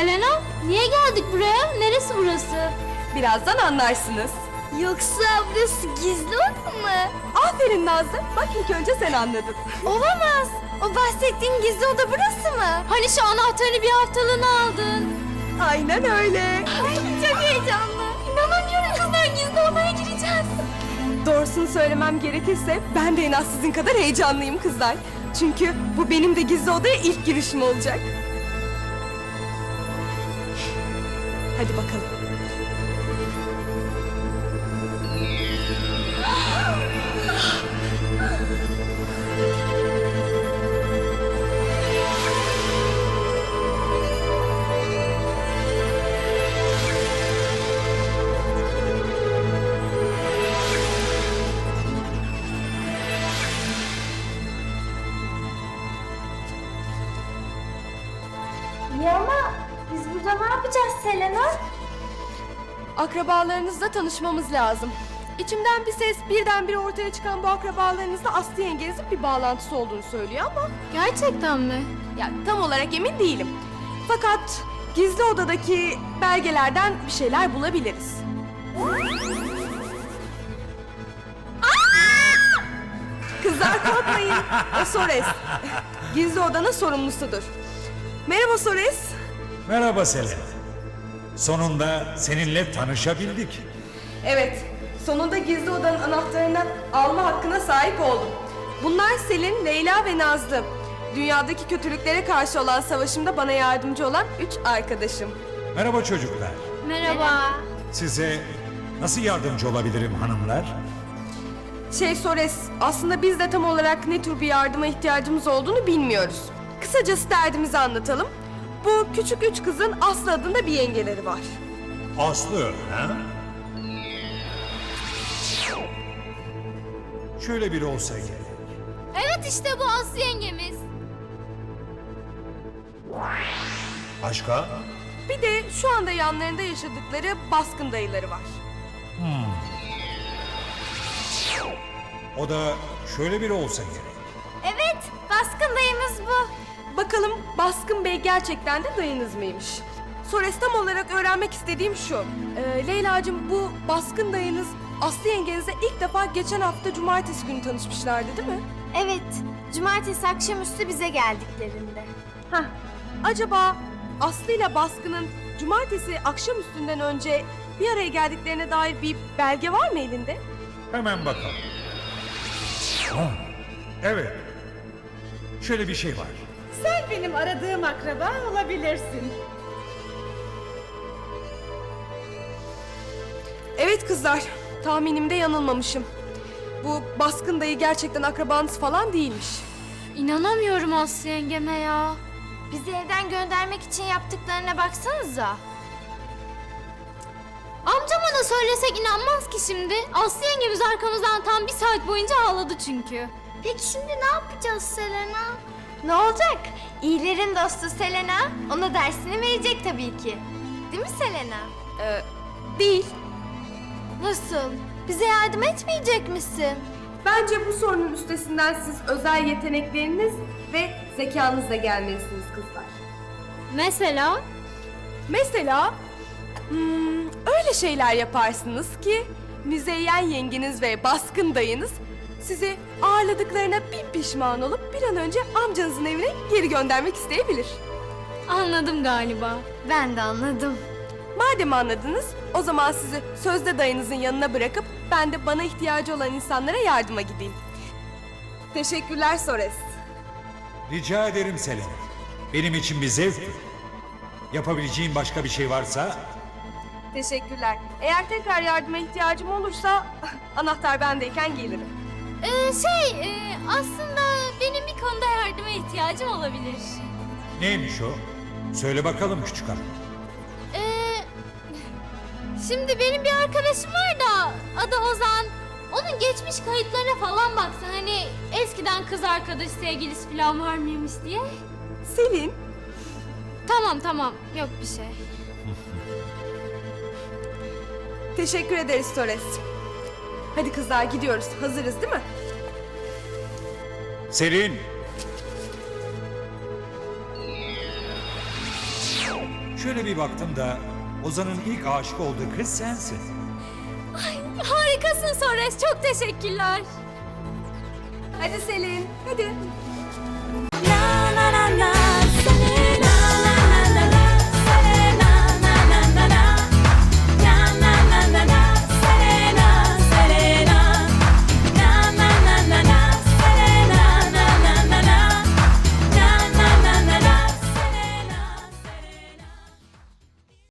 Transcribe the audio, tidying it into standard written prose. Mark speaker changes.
Speaker 1: Selena, niye geldik buraya? Neresi burası?
Speaker 2: Birazdan anlarsınız.
Speaker 1: Yoksa burası gizli oda mı?
Speaker 2: Aferin Nazlı. Bak ilk önce sen anladın.
Speaker 1: Olamaz. O bahsettiğin gizli oda burası mı? Hani şu anahtarını bir haftalığına aldın.
Speaker 2: Aynen öyle.
Speaker 1: Ay çok heyecanlı. İnanamıyorum kızlar, gizli odaya gireceğiz.
Speaker 2: Doğrusunu söylemem gerekirse ben de en az sizin kadar heyecanlıyım kızlar. Çünkü bu benim de gizli odaya ilk girişim olacak. Hadi bakalım.
Speaker 1: Ya ama biz burada ne yapacağız Selena?
Speaker 2: Akrabalarınızla tanışmamız lazım. İçimden bir ses birdenbire ortaya çıkan bu akrabalarınızla Aslı yengenizin bir bağlantısı olduğunu söylüyor ama...
Speaker 1: Gerçekten mi?
Speaker 2: Ya tam olarak emin değilim. Fakat gizli odadaki belgelerden bir şeyler bulabiliriz. Kızlar korkmayın. O Sores. Gizli odanın sorumlusudur. Merhaba Sores.
Speaker 3: Merhaba Selena. Sonunda seninle tanışabildik.
Speaker 2: Evet, sonunda gizli odanın anahtarını alma hakkına sahip oldum. Bunlar Selin, Leyla ve Nazlı. Dünyadaki kötülüklere karşı olan savaşımda bana yardımcı olan 3 arkadaşım.
Speaker 3: Merhaba çocuklar.
Speaker 1: Merhaba.
Speaker 3: Size nasıl yardımcı olabilirim hanımlar?
Speaker 2: Sores, aslında biz de tam olarak ne tür bir yardıma ihtiyacımız olduğunu bilmiyoruz. Kısacası derdimizi anlatalım. Bu küçük 3 kızın Aslı adında bir yengeleri var.
Speaker 3: Aslı, ha? Şöyle biri olsa gerek.
Speaker 1: Evet işte bu Aslı yengemiz.
Speaker 3: Başka?
Speaker 2: Bir de şu anda yanlarında yaşadıkları baskın dayıları var.
Speaker 3: O da şöyle biri olsa gerek.
Speaker 1: Evet, baskın dayımız bu.
Speaker 2: Bakalım Baskın Bey gerçekten de dayınız mıymış? Sores, tam olarak öğrenmek istediğim şu. Leyla'cığım, bu Baskın dayınız Aslı yengenizle ilk defa geçen hafta cumartesi günü tanışmışlardı değil mi?
Speaker 1: Evet, cumartesi akşamüstü bize geldiklerinde.
Speaker 2: Hah. Acaba Aslı ile Baskın'ın cumartesi akşamüstünden önce bir araya geldiklerine dair bir belge var mı elinde?
Speaker 3: Hemen bakalım. Ha, evet. Şöyle bir şey var.
Speaker 4: Sen benim aradığım akraba olabilirsin.
Speaker 2: Evet kızlar, tahminimde yanılmamışım. Bu Baskın dayı gerçekten akrabanız falan değilmiş.
Speaker 1: İnanamıyorum Aslı yengeme ya. Bizi evden göndermek için yaptıklarına baksanıza. Amcama da söylesek inanmaz ki şimdi. Aslı yengemiz arkamızdan tam 1 saat boyunca ağladı çünkü. Peki şimdi ne yapacağız Selena? Ne olacak? İyilerin dostu Selena ona dersini verecek tabii ki. Değil mi Selena?
Speaker 2: Değil.
Speaker 1: Nasıl? Bize yardım etmeyecek misin?
Speaker 2: Bence bu sorunun üstesinden siz özel yetenekleriniz ve zekanızla gelmelisiniz kızlar.
Speaker 1: Mesela?
Speaker 2: Mesela öyle şeyler yaparsınız ki Müzeyyen yengeniz ve Baskın dayınız sizi ağırladıklarına bin pişman olup bir an önce amcanızın evine geri göndermek isteyebilir.
Speaker 1: Anladım galiba. Ben de anladım.
Speaker 2: Madem anladınız, o zaman sizi sözde dayınızın yanına bırakıp ben de bana ihtiyacı olan insanlara yardıma gideyim. Teşekkürler Sores.
Speaker 3: Rica ederim Selena. Benim için bir zevktir. Yapabileceğim başka bir şey varsa...
Speaker 2: Teşekkürler. Eğer tekrar yardıma ihtiyacım olursa anahtar bendeyken gelirim.
Speaker 1: Aslında benim bir konuda yardıma ihtiyacım olabilir.
Speaker 3: Neymiş o? Söyle bakalım küçük hanım.
Speaker 1: Şimdi benim bir arkadaşım var da adı Ozan. Onun geçmiş kayıtlarına falan baksan hani eskiden kız arkadaş sevgilisi falan var mıymış diye.
Speaker 2: Selin,
Speaker 1: Tamam yok bir şey.
Speaker 2: teşekkür ederiz Sores. Hadi kızlar gidiyoruz. Hazırız değil mi?
Speaker 3: Selin! Şöyle bir baktım da Ozan'ın ilk aşık olduğu kız sensin.
Speaker 1: Harikasın Sores, çok teşekkürler.
Speaker 2: Hadi Selin, hadi.